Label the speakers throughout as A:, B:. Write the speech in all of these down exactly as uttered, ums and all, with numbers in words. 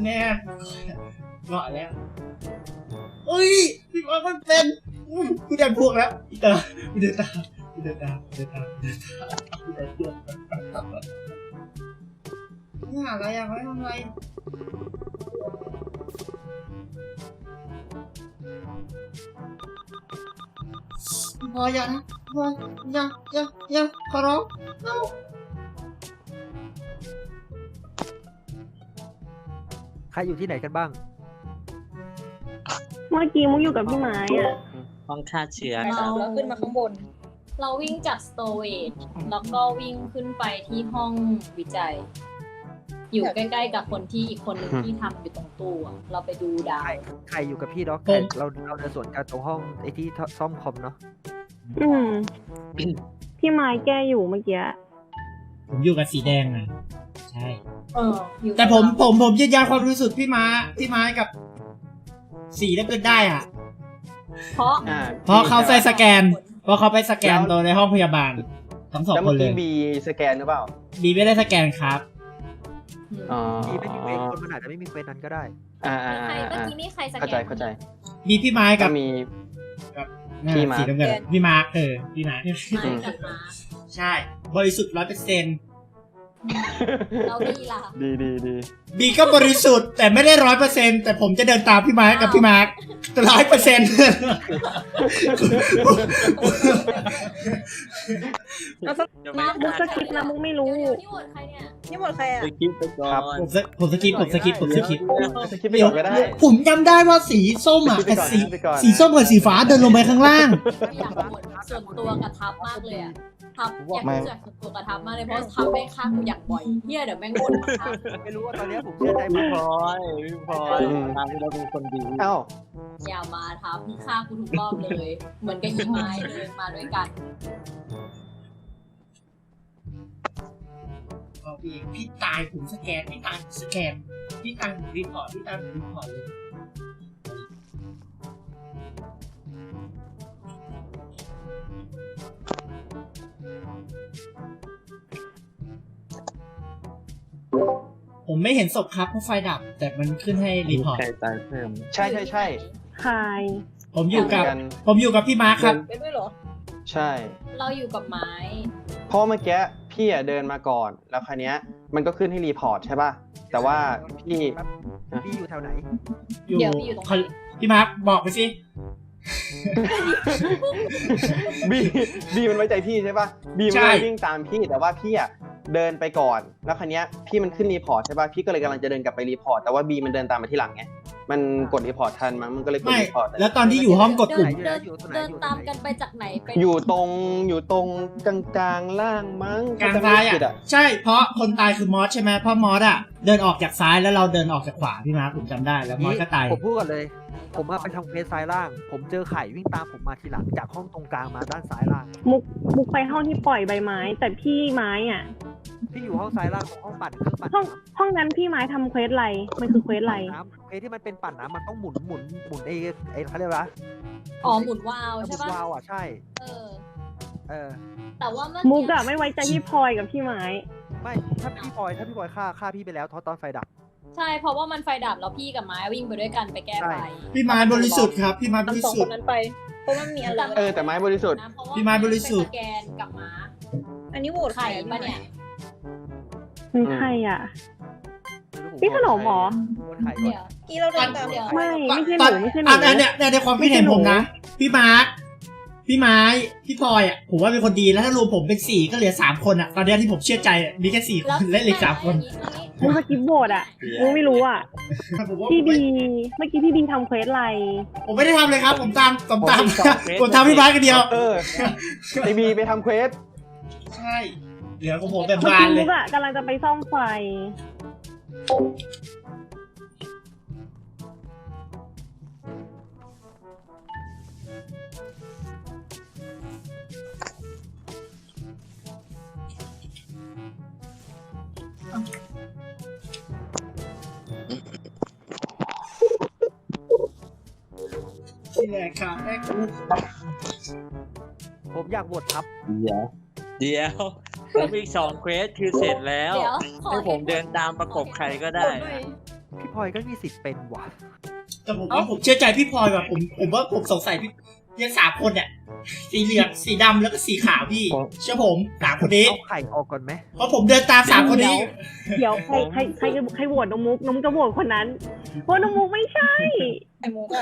A: แน่เกาะแล้วเฮ้ยพี่มามันเป็นกูเดินพวกแล้วพี่ตาพี่เดินตามพี่เดินตามพี่เดินตามพี่เดินตามพี่เดินพวกนี่หาอะไรอ่ะไม่ทำอะไรพออย่านะพออย่าอย่าอย่าขอร้องเอา
B: ใครอยู่ที่ไหนกันบ้าง
C: เมื่อกี้มุกอยู่กับพี่ไม้อ่ะ
D: ห้องฆ่าเชื้อค
E: เรา
D: รับ
E: แล้วขึ้นมาข้างบน
F: เราวิ่งจากสโตเวจแล้วก็วิ่งขึ้นไปที่ห้องวิจัย อยู่ใกล้ๆกับคนที่อีกคนหนึงที่ทำอยู่ตรงตู้อะเราไปดูดา
B: ใคร
F: ว
B: ใครอยู่กับพี่ด็อก
A: ผม
B: เราเราเดินสวนกันตรงห้องไอ้ที่ซ่อมคอมเนาะ
C: อืมพี่ไม้แก้อยู่เมื่อกี้
A: ผมอยู่กับสีแดงนะใช่
F: เอออยู่
A: แต่ผมผมผมยืนยันความรู้สึกพี่ม้าพี่ม้ากับสีได้เป็นได้อ่ะ
F: เพราะ
G: อ่า
A: เพราะเขาใส่สแกน เพราะเขาไปสแกนตัวในห้องพยาบาลทั้งสอง
G: แล้ว
A: ค
G: เมื่
A: น
G: อ
A: เล
G: กี้
A: ย
G: บีสแกนหรือเปล่า
A: บีไม่ได้สแกนครับ
G: อ๋อ
B: พี่ไม่มีเควสคนมันอาจจะไม่มีเควสนั้นก็ได้
G: อ่าอ่า
F: ใคร
G: อ่า
F: เมื่อกี้นี่ใครสแกน
G: เข้าใจเข้าใจ
A: มีพี่ไม้กั
G: ก็
A: บ
G: มี
A: กับ
G: พี่มาร์ค
A: สีน้ำเงินพี่มาร์คเออพี่มาร์ค
F: มากับมา
A: ใช่ บริสุทธิ์ร้อยเปอร์เซ็นต์
F: เราดีล่ะ
G: ดีดีดี
A: บีก็บริสุทธิ์แต่ไม่ได้ร้อยเปอร์เซ็นต์แต่ผมจะเดินตามพี่มาร์คกับพี่มาร์คร้อยเปอร์เซ็นต์
F: มา
C: มุกสคริปต์นะมุกไม่รู้
F: เดี๋ยวๆที่โหวตใครเนี่ย
E: นี่หมดใครอ่ะ
D: ไปคิดไปก่อน
A: ผมสผมสกิปผมสกิปผมสกิป
G: สกิปไปก่อนก็ได้
A: ผมจำได้ว่าสีส้มอ่ะ
G: สกิปไป
A: กับ
G: ก่อน
A: สี
G: สกิปไปก่อน
A: สีส้มกับสีฟ้าเดินลงไปข้างล่าง
F: อยากโหวตส่วนตัวกับทับมากเลยอะทับอยากรู้จักส่วนตัวกับทับมากเลยเพราะทับแม่งฆ่ากูอย่างบ่อยเฮียเดี๋ยวแม่งวนมาฆ่า
B: ไม่รู้ว่าตอนนี้ผมเชื่อใจ
D: พี่
B: พี่
D: พลอยพี่พลอยทางที่เราเป็นคนดี
G: เอ้า
F: อย่ามาทับมึงฆ่ากูทุกรอบเลย เหมือนกับยีไม้เลยมาด้วยกัน
A: บอกพี่พี่ตายผมสแกนพี่ตายผมสแกนพี่ตายผมรีพอร์ตพี่ตายผมรีพอร์ตเลยผมไม่เห็นศพครับเพราะไฟดับ แต่มันขึ้นให้รีพอร์ต
D: ใครตายเพิ่ม
G: ใช่ใช่ใช่
C: ใคร
A: ผมอยู่กับ
G: กัน
A: ผมอยู่กับพี่มาร์คครับ
E: เป็นด้วยเหรอ
G: ใช่
F: เราอยู่กับไม้
G: เพราะเมื่อกี้พี่อะเดินมาก่อน แล้วคราวเนี้ยมันก็ขึ้นให้รีพอร์ตใช่ป่ะ แต่ว่าพี่
B: พี่อยู่แถวไหน
A: อยู่
F: เดี๋ยวพี่อยู่ตรงไหน
A: พี่มาร์คบอกไปสิ
G: บีบีมันไว้ใจพี่ใช่ป่ะบีมันเลยวิ่งตามพี่แต่ว่าพี่อะเดินไปก่อน แล้วคราวเนี้ยพี่มันขึ้นรีพอร์ตใช่ป่ะพี่ก็เลยกำลังจะเดินกลับไปรีพอร์ตแต่ว่าบีมันเดินตามมาที่หลังไงมันกดรีพอร์ตทันมั้งมันก็เลยกด
A: ไม่
G: รีพอร์ต
A: แล้วตอนที่อยู่ห้องกด
F: เดิ
A: ปุ่
F: น
A: ม
F: เดินเดินตามกันไปจากไหนไป
G: อยู่ตรงอยู่ตรงกลางกลางๆล่างมั้ง
A: กลางซ้าย
G: ถ้จำไม่ผิด
A: อ่ะใช่เพราะคนตายคือมอสใช่ไหมเพราะมอสอ่ะเดินออกจากซ้ายแล้วเราเดินออกจากขวาพี่มาร์คผมจำได้แล้วมอสก็ตาย
B: ผมพูดก่อนเลย ผมอะไปทำเควสซ้ายล่าง ผมเจอไข่วิ่งตามผมมาทีหลังจากห้องตรงกลางมาด้านซ้ายล่าง
C: มุกมุกไปห้องที่ปล่อยใบไม้ แต่พี่ไม้อ่ะ
B: พี่อยู่ห้องซ้ายล่างของห้องปั่นเครื่องปั่น
C: ห้อง
B: น้ำ
C: ห้องนั้นพี่ไม้ทำเควสอะไรมันคือเควสอะไร
B: น้ำเควสที่มันเป็นปั่นน้ำมันต้องหมุนหมุนหมุนไอ้ไอ้เขาเรียกว่า
F: อ๋อหมุนวาล์ว
B: หมุ
F: ใช่
B: น
F: ปะ
B: วาล์วอ่ะใช่
F: เออ
B: เออ
F: แต่ว่าเมื่อ
C: มุก
F: กี้
C: อะไม่ไว้ใจพี่พลอยกับพี่ไม้
B: ไม่ถ้าพี่พลอยถ้าพี่พลอยฆ่าฆ่าพี่ไปแล้วตอนตอนไฟดับ
F: ใช่เพราะว่ามันไฟดับแล้วพี่กับไม้วิ่งไปด้วยกันไปแก้ไฟ
B: ใช่
A: พี่มาร์คบริสุทธิ์ครับพี่มาร์คบริ
E: ทำสอง
A: สุ
E: ค
A: ท
E: น
A: ธิ์
E: นั้นไป เพราะว่ามีอะไร
G: เออแต่ไม้บริสุทธิ์
F: นะเพราะว่า
A: พี่ไม้บริสุทธิ์
F: ไปสแกนกับม้า
E: อันนี้โหวตใคร
F: ไข่ปะเนี่ย
C: มีใครอ่ะ พี่ขนมเหรอ
B: คนไข่ก่อน
F: เดี๋ยว
E: กี่เราเดินตาม
F: เดี๋ยว
C: ไม่ ไม่ใช่ห
A: ตอน
C: นูไม่ใช่หนู
A: อันอันเนี้ยในความคิดเห็นผมนะ พี่มาร์คพี่ไม้พี่พลอยอ่ะผมว่าเป็นคนดีแล้วถ้ารวมผมเป็นสี่ก็เหลือสามคนอ่ะตอนเนี้ยที่ผมเชื่อใจอะมีแค่สี่คนและเหลือสามคน
C: มุกสกิปโหวตอ่ะมุกไม่รู้อ่ะ
A: ผมว่า
C: พี่บีเมื่อกี้พี่บีทำเควสอะไร
A: ผมไม่ได้ทำเลยครับ ผมตามผมตาม
D: ผมตามเควส
A: ผมทำพี่มาร์คกันเดียว
G: เออไอบีไปทำเควส
A: ใช่เหลือของผมแบบ
C: เมื่อบ
A: าน
C: กี้
A: เล
C: มุ
A: ย
C: กอ่ะกำลังจะไปซ่อมไฟ
A: นี่แหละครับแม่คุณ
B: ผมอยากบททับ
D: เดี๋ยวเดี๋ยวแล้วอีกสองเควสคือเสร็จแล้ว
F: เดี๋ยวขอ
D: ให้ผมเดินตามประกบใครก็ได้
F: ขอด้วย
B: พี่พลอยก็มีสิทธิ์เป็นว่ะ
A: แต่ผมว่าผมเชื่อใจพี่พลอยว่ะผมผมว่าผมสงสัยพี่ยังสามคนเนี่ยสีเหลืองสีดำแล้วก็สีขาวพี่เชื่อผมสามคนนี้
B: เอาไข่ออกก่อนไหม
A: เพราะผมเดินตามสามคนนี้
C: เดี๋ยวใครใครใครใครโหวตน้องมุกน้องมุกจะโหวตคนนั้นเพราะน้องมุกไม่ใช่
E: ไอ้มุกอะ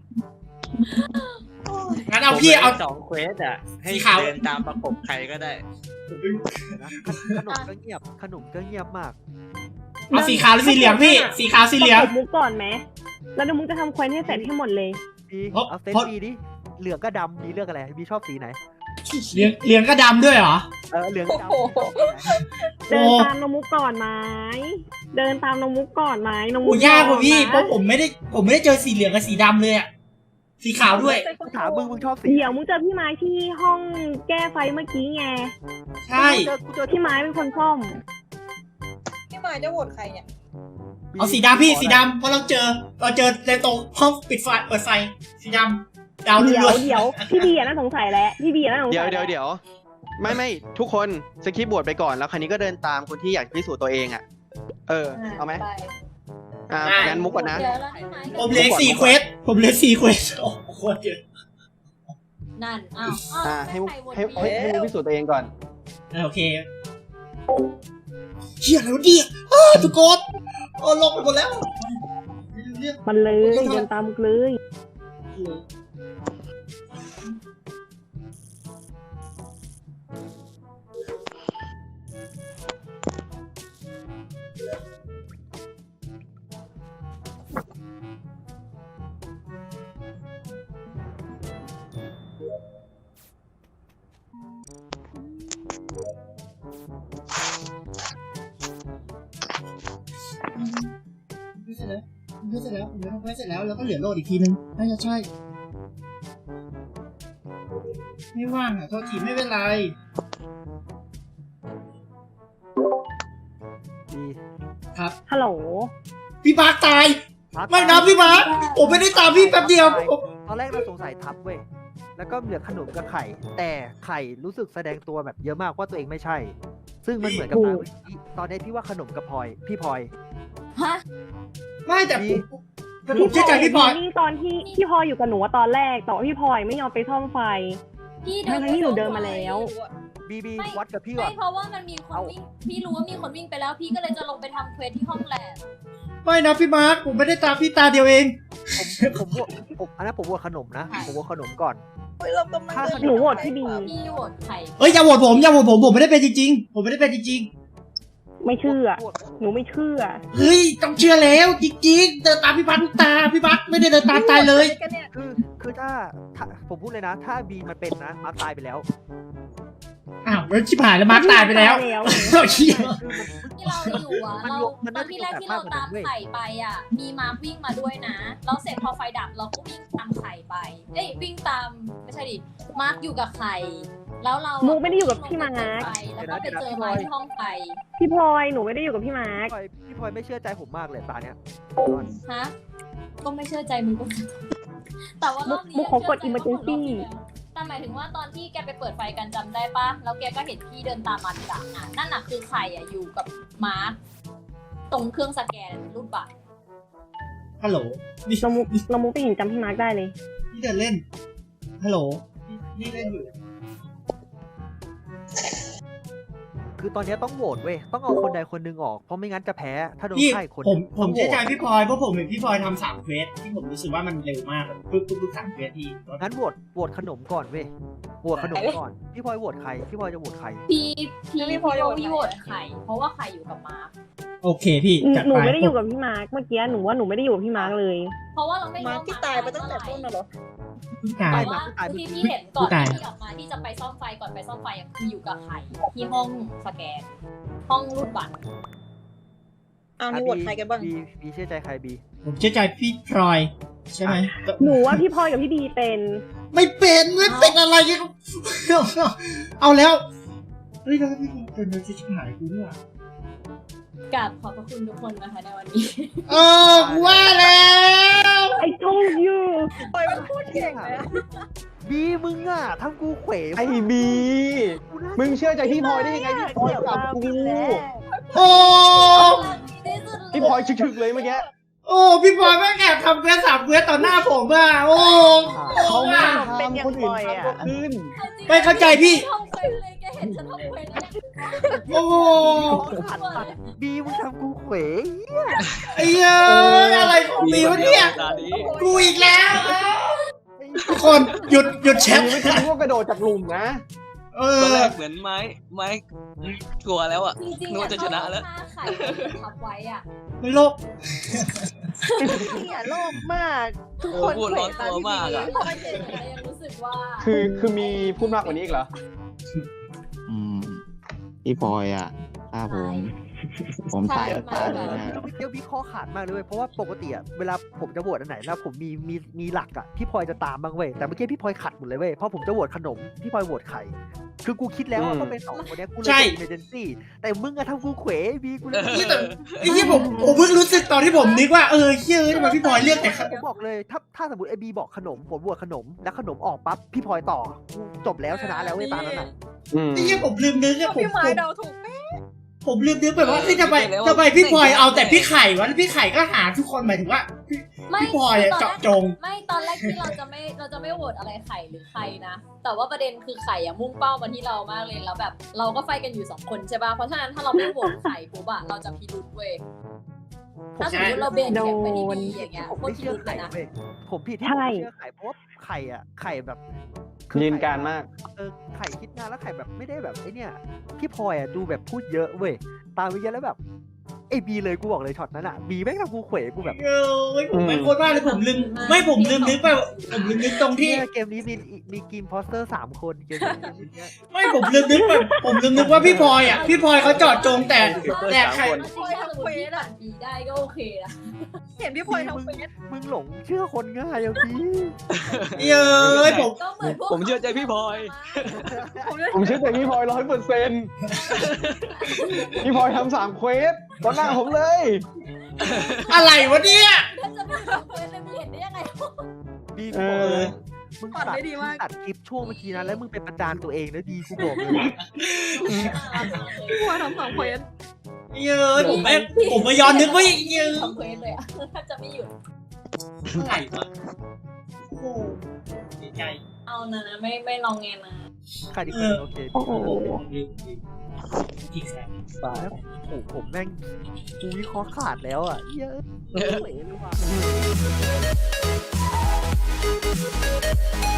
A: งั้นเอาพี่เอา
D: ผมลยสองเควสอ่ะ ให้
A: สีขาว
D: เดินตามประกบใครก็ได้
B: เดี๋ยวนะขขนมก็เงียบขนมก็เงียบมาก
A: เอาสีขาวหรือสีเหลืองพี่สีขาวสีเหลือง
C: ประกบมุกก่อนไหมแล้วน้องมุกจะทำเควสให้เสร็จให้หมดเลย
B: บี
A: เพราะ
B: เอาเซต
A: เพราะ
B: บีดิเหลืองก็ดำบีเลือกอะไรบีชอบสีไหน
A: เหลืองเหลืองก็ดำด้วยเหรอ
B: เออเหลืองกับดำ
E: โอ้โห
C: เดินตามน้องมุกก่อนไหมเดินตามน้องมุกก่อนไหมน้องมุ
A: โอ้
C: ก
A: ยากกว่าพี่
C: นะ
A: เพราะผมไม่ได้ผมไม่ได้เจอสีเหลืองกับสีดำเลยอะสีขาวด้วย
B: กูถามมึงมึงชอบสี
C: เดี๋ยวมุกเจอพี่ไม้ที่ห้องแก้ไฟเมื่อกี้ไง
A: ใช่
B: กูเจอกูเจอ
C: พี่ไม้เป็นคนซ่อม
E: พี่มายจะโหวตใครเนี่ย
A: เอาสีดำพี่สีดำเพราะเราเจอเราเจอในตรงห้องปิดไฟเปิดไฟสีดำดาว
C: เดี๋ยว
A: ล้วน
C: เดี๋ยวพี่บีอะน่าสงสัยแล้วพี่บีอะน่าสงสัย
G: เดี๋ยว
C: แล้
G: เดี๋ยวเดี๋ยวไม่ไม่ทุกคนสคิปบวชไปก่อนแล้วคันนี้ก็เดินตามคนที่อยากพิสูจน์ตัวเองอ่ะ เออ เอาไหม
E: ป
G: อ่างั้นมุกก่อนนะ
F: เดี๋ยวแล้วพี่ไม้
A: ๆผมเหลือสี่เควสผมเหลือสี่เควสโอ้โหโคตรเยอะ
F: นั่นอ้าวอ้าว
G: อ่าให้มุก
F: ใครโหวต
G: ให้
F: บี
G: ให้ให้มุกพิสูจน์ตัวเองก่อน
A: อ่ะโอเคเฮียแล้วดิอ้าวทุกคนโอ้ลงไปหมดแล้วเรื่อง
C: มันเลยเดินตามมุกเลย
A: ไม่เสร็จแล้วไม่เสร็จแล้วผมไม่ทำไม่เสร็จแล้วแล้วก็เหลือโหลดอีกทีนึงน่าจะใช่ไม่ว่างอ่ะโทษทีไม่เป็นไร
B: บี
A: ครับ
C: ฮัลโหล
A: พี่มาร์คตาย
B: ทับ
A: ไม่นะพี่มาร์คผมไม่ได้ตามพี่แป๊บเดียวผม
B: ตอนแรกเราสงสัยทับเว้ยแล้วก็เหลือขนมกับไข่ แต่ไข่รู้สึกแสดงตัวแบบเยอะมากว่าตัวเองไม่ใช่ ซึ่งมันเหมือนกับตาเมื่อกี้ตอนนี้พี่ว่าขนมกับพลอยพี่พลอย
F: ฮะ
A: ไม่แต่ผมแต่ผมเชื่อใจพี่พลอย
C: นี่ตอนที่พี่พลอยอยู่กับหนูอะตอนแรกแต่ว่าพี่พลอยไม่ยอมไปซ่อมไฟ
F: พี่เดิ
C: ทั้งๆที่หนูเดินมาแล้ว
B: บีบี
F: ไม่
B: วัดกับพี่ก่อ
F: ไม่
B: น
F: เพราะว่ามันมีคนวิ่งพี่รู้ว่ามีคนวิ่งไปแล้ว พี่ก็เลยจะลงไปทำเควสที่ห้องแลบ
A: ไม่นะพี่มาร์คผมไม่ได้ตามพี่ตาเดียวเอง
B: ผมผมผมอันนั้นผมโหวตขนมนะผมโหวตขนมก่อน
E: เฮ้ยเรากำลังเดิ
C: หนูโหวตพี่บี
F: พี่โหวตไข่
A: เอ้ยอย่าโหวตผมอย่าโหวตผมผมไม่ได้เป็นจริงๆผมไม่ได้เป็นจริง
C: ไม่เชื่อ
B: โหวต
C: หนูไม่เชื่อ
A: ๆเฮ้ยต้องเชื่อแล้วจริงๆเดินตามพี่มาร์คทุกตาพี่มาร์คไม่ได้เดินตามตายเลย
E: กันเนี่ย
B: คือคือถ้าถ้าผมพูดเลยนะ ถ้าบีมันเป็นนะมาร์คตายไปแล้ว
A: อ้าวแล้วชิบหายแล้วมาร์คตายไปแล้ว
C: ตายแล้ว
A: เชี่ย
B: คือมัน
F: ที่เราอยู่อ่ะ
B: มัน
F: เรา
B: ยกมัน
F: ต
B: น่า
F: อน
B: จะ
F: ที่แรก
B: ยก
F: ที่เรา
B: แบบ
F: ตาม
B: มากกว่านั้นเว้ย
F: ไข่ไปอ่ะ มีมาร์ควิ่งมาด้วยนะแล้วเสร็จพอไฟดับเราก็วิ่งตามไข่ไป เอ้ยวิ่งตามไม่ใช่ดิมาร์คอยู่กับไข่แล้วเรา
C: มุกไม่ได้อยู่กับพี่มาร์ค
F: ไปแล้วก็ไปเจอไม้ที่ห้องไฟ
C: พี่พลอยหนูไม่ได้อยู่กับพี่มาร์ค
B: พี่พลอยพี่พลอยไม่เชื่อใจผมมากเลยตาเนี้ย
F: ฮะก็ไม่เชื่อใจมึงก็แต่ว่ารอบนี้
C: มุกขอกด emergency
F: แต่หมายถึงว่าตอนที่แกไปเปิดไฟกันจำได้ปะแล้วแกก็เห็นพี่เดินตามมาทีหลังอ่ะนั่นน่ะคือไข่อ่ะอยู่กับมาร์คตรงเครื่องสแกนรูปบัตร
A: ฮัลโหลนี่
C: เรามุกเรามุกไปเห็นจำพี่มาร์คได้เลย
A: นี่เดินเล่นฮัลโหลนี่เล่นอยู่
B: คือตอนเนี้ยต้องโหวตเว้ยต้องเอาคนใดคนหนึ่งออกเพราะไม่งั้นจะแพ้ถ้าโดน
A: พี่
B: ไข่คน
A: ผมผม
B: ต้องโหว
A: เชื่อ
B: ต
A: ใจพี่พลอยเพราะผมเห็นพี่พลอยทำสามเควสที่ผมรู้สึกว่ามันเร็วมากปึ๊บปึ๊บปึ๊บสามเควสที่
B: งั้นโหวตโหวตขนมก่อนเว้ยโหวตขนมก่อนพี่พลอยโหวตใครพี่พลอยจะโหวตใคร
F: พี่พี่พี่โรวี่โหวตไข่เพราะว่าไข่อยู่กับมาร์ค
A: โอเคพี่จัด
C: หนู
A: ไป
C: ไม่ได้อยู่กับพี่มาร์คเมื่อกี้หนูว่าหนูไม่ได้อยู่กับพี่มาร์คเลย
F: เพราะว่าเราไม่
E: มา
F: รู้
E: ที่ตายไปตั้งแต่ต้นน่ะเหรอ
A: พี่ตาย
F: แต่ว่าที่พี่เห็นก่อนที่พี่ออกมาที่จะไปซ่อมไฟก่อนไปซ่อมไฟอะคืออยู่กับไข่ที่ห้องสแกน ห้องรูดบัตร
E: เอานี่โหวตใครกันบ้าง
B: บีบีเชื่อใจใครบี
A: ผมเชื่อใจพี่พลอยใช่ไหม
C: หนูว่าพี่พลอยกับพี่บีเป็น
A: ไม่เป็นไม่เป็นอะไรเนี่ยเอาแล้วเฮ้ยแล้วพี่เป็นจะชิบหายกูด้วย
F: กราบขอบพระคุณทุกคนนะคะในวันนี้
A: เออว่าแล้ว
C: ไอ้ told you
E: ปล่อยมันพูดเก่งเลยอะ
B: บีมึงอ่ะทำกูเขว
G: ไอ้บี มึงเชื่อใจพี่พลอยได้ยังไงพี่พลอยกับกู
A: โอ้
G: พี่พลอยชึกๆเลยเมื่อกี้
A: โอ้พี่บอยแม่งแอบทำเควสสามเควสต่อหน้าผมอ่ะโอ้
G: เขาไม่
A: อ่ะ
G: ทำคนอื่นทำก็ขึ้น
A: ไม่เข้าใจพี่
F: ทำเควสเลยแกเห็นฉันทำเควสแล้วเนี่ย
A: โอ้
B: บีมึงทำกูเขว
A: ไอ้เอ้ยอะไรของมีวะเนี่ย
D: ตอนนี้
A: กูอีกแล้วทุกคนหยุดหยุดแช
G: บี
A: ท
G: ไม่ใช่พวกกระโดดจากหลุมนะ
A: เอ
D: ตอน
A: อ
D: แรกเหมือนไม้ไม้กลัวแล้วอ่ะ
F: จริงๆ
D: นึกว่าจะชนะแล้ว
F: ถ้าไข่ทับไว้อ่ะ
A: โลก
E: เนี่ยโลภมาก ทุกคน
D: พูดร้อนตัวมากอะ
F: ไม่เจนแต่ยังรู้สึกว่า
G: คือคือมีพูดมากกว่านี้อีกเหรอ
H: อืมพี่พลอยอ่ะฆ่าผม ผมตายก็ตายเลยนะ
B: เดี๋ยววิเคราะห์ขาดมากเลยเว้ยเพราะว่าปกติอะเวลาผมจะโหวตอันไหนนะผมมีมีมีหลักอะพี่พลอยจะตามบ้างเว้ยแต่เมื่อกี้พี่พลอยขัดหมดเลยเว้ยเพราะผมจะโหวตขนมพี่พลอยโหวตไข่คือกูคิดแล้วว่า
G: อืม
B: ต้องเป็นสองคนเนี้ยกูเลย
A: ใช่
B: เป็น emergency แต่มึงอะทำกูเขวบีกูเลย
A: นี่แต่ไอ้ที่ผมผมเพิ่งรู้สึกตอนที่ผมนึกว่าเออเชื่อทำไมพี่บอยเลือกแต่
B: ผมบอกเลยถ้าถ้าสมมติไอบีบอกขนมผมโหวตขนมแล้วขนมออกปั๊บพี่พลอยต่อกูจบแล้วชนะแล้วเว้ยตามนั้นอะ
G: อืม
A: ไอ้ที่ผมลืมนึกอะผม
E: พี่ไม้
A: ผม
E: เดาถูกไหม
A: ผมลืมนึกไปว่าเฮ้ยทำไมทำไมพี่พลอยเอาแต่พี่ไข่วะแล้วพี่ไข่ก็หาทุกคนหมายถึงว่า
F: ไม่
A: พี่พลอยอะ
F: ตนแรก
A: เจาะจง
F: ไม่ตอนแรกที่เราจะไม่เราจะไม่โหวตอะไรไข่หรือใครนะ แต่ว่าประเด็นคือไข่อะมุ่งเป้ามาที่เรามากเลยแล้วแบบ เราก็ไฟกันอยู่สองคนใช่ป่ะเพราะฉะนั้นถ้าเราไม่โหวตไข่ปุ๊บอะเราจะพิรุษเว้ยถ้าสมมติเราเบนเข็มไปที่บีอย่างเงี้ย
B: ผม
F: โคต
B: ไม่
F: รพิ
B: เชื่อ
F: รุษเล
B: ไข่
F: ยนะ
B: เว้ยผมผิดที่
C: ใช่
B: ผมไม่เชื่อไข่เพราะว่าไข่อะไข่แบบคือ
G: ยืน
B: ไข่
G: การมาก
B: เออไข่คิดงานแล้วไข่แบบไม่ได้แบบไอเนี่ยพี่พลอยอ่ะดูแบบพูดเยอะเว้ยตามไปเยอะแล้วแบบไอบีเลยกูบอกเลยช็อตนั้นอ่ะบีแม่งทำกูเขวกูแบบ
A: เออผมไม่โคตรว่าเลยผมลืมไม่ผมลืมนึกไปผมลืมนึกตรงที่
B: เนี่ยเกมนี้มีมีกีมพอสเตอร์สามคนเกมนี้เกมนี้
A: ไม่ผมลืมนึกไปผมลืมนึกว่าพี่พลอยอ่ะพี่พลอยเขาเจอดจงแต่แต่ใคร
F: จริงๆถ้าสมมติพี่ปั่นบีได้ก็โอเคนะ
E: เห็นพี่พลอยทำเควส
B: มึงหลงเชื่อคนง่ายอ่ะพี่
A: เอ้ยผม
F: ก็เหมือนพวก
D: ผมเชื่อใจพี่พลอย
E: ผมเลย
G: ผมเชื่อใจพี่พลอยร้อยเปอร์เซ็นต์พี่พลอยทำสามเควสต่อหน้าผมเลย
A: อะไรวะเนี่ย
F: ถ้าจะไม่ทำเควสเลยมึงเห็นได้ยังไง
B: บี
G: เอ
B: กูบอก
G: อ
B: เลยมึง
E: ปั่น
B: ตัด
E: ได้ดีมาก
B: ตัดคลิปช่วงเมื่อกี้นะแล้วมึงเป็นประจานตัวเองนะดีกูบอกเลย
E: พี่พลอยทำสองเควส
A: เย้ยผมไม่ผมมาย้อนนึกว่าเย้ย
F: ทำเควสเลยอะถ้าจะไม่หยุด
A: อะไรวะโอ้โหเสียใจ
F: เอานะนะไม่ไม่ลองไงนะ
B: ใครดีคนหนึ่งโอเค
C: โอ้โห
A: อีกแสน
B: แล้วโอ้โหผมแม่งกูวิเคราะห์ขาดแล้วอ่ะเยอะเขวเลยว่ะ